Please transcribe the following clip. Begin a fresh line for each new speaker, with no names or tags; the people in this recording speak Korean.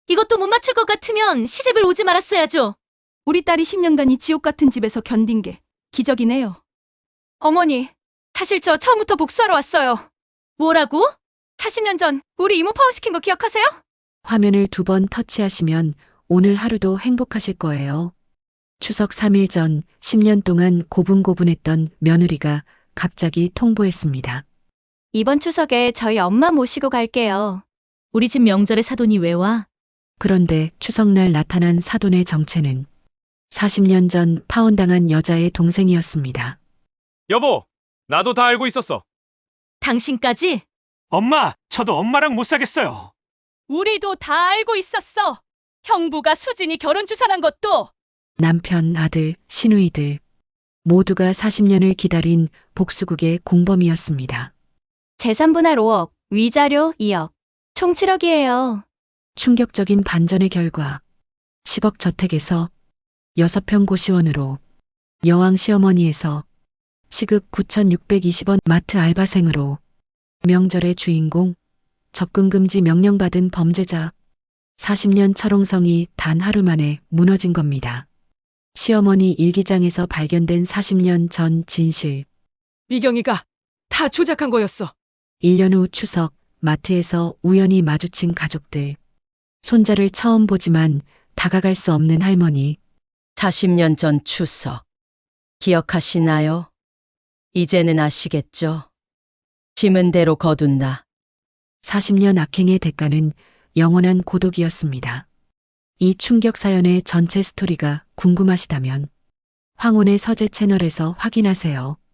이것도 못 맞출 것 같으면 시집을 오지 말았어야죠.
우리 딸이 10년간이 지옥 같은 집에서 견딘 게 기적이네요. 어머니, 사실 저 처음부터 복수하러 왔어요.
뭐라고?
40년 전 우리 이모 파워시킨 거 기억하세요?
화면을 2번 터치하시면 오늘 하루도 행복하실 거예요. 추석 3일 전 10년 동안 고분고분했던 며느리가 갑자기 통보했습니다.
이번 추석에 저희 엄마 모시고 갈게요.
우리 집 명절에 사돈이 왜 와?
그런데 추석날 나타난 사돈의 정체는 40년 전 파혼당한 여자의 동생이었습니다.
여보, 나도 다 알고 있었어.
당신까지?
엄마, 저도 엄마랑 못 사겠어요.
우리도 다 알고 있었어. 형부가 수진이 결혼 주선한 것도.
남편, 아들, 시누이들 모두가 40년을 기다린 복수국의 공범이었습니다.
재산 분할 5억, 위자료 2억, 총 7억이에요.
충격적인 반전의 결과 10억 저택에서 6평 고시원으로, 여왕 시어머니에서 시급 9,620원 마트 알바생으로, 명절의 주인공, 접근금지 명령받은 범죄자, 40년 철옹성이 단 하루 만에 무너진 겁니다. 시어머니 일기장에서 발견된 40년 전 진실.
미경이가 다 조작한 거였어.
1년 후 추석, 마트에서 우연히 마주친 가족들. 손자를 처음 보지만 다가갈 수 없는 할머니.
40년 전 추석. 기억하시나요? 이제는 아시겠죠? 심은 대로 거둔다.
40년 악행의 대가는 영원한 고독이었습니다. 이 충격 사연의 전체 스토리가 궁금하시다면 황혼의 서재 채널에서 확인하세요.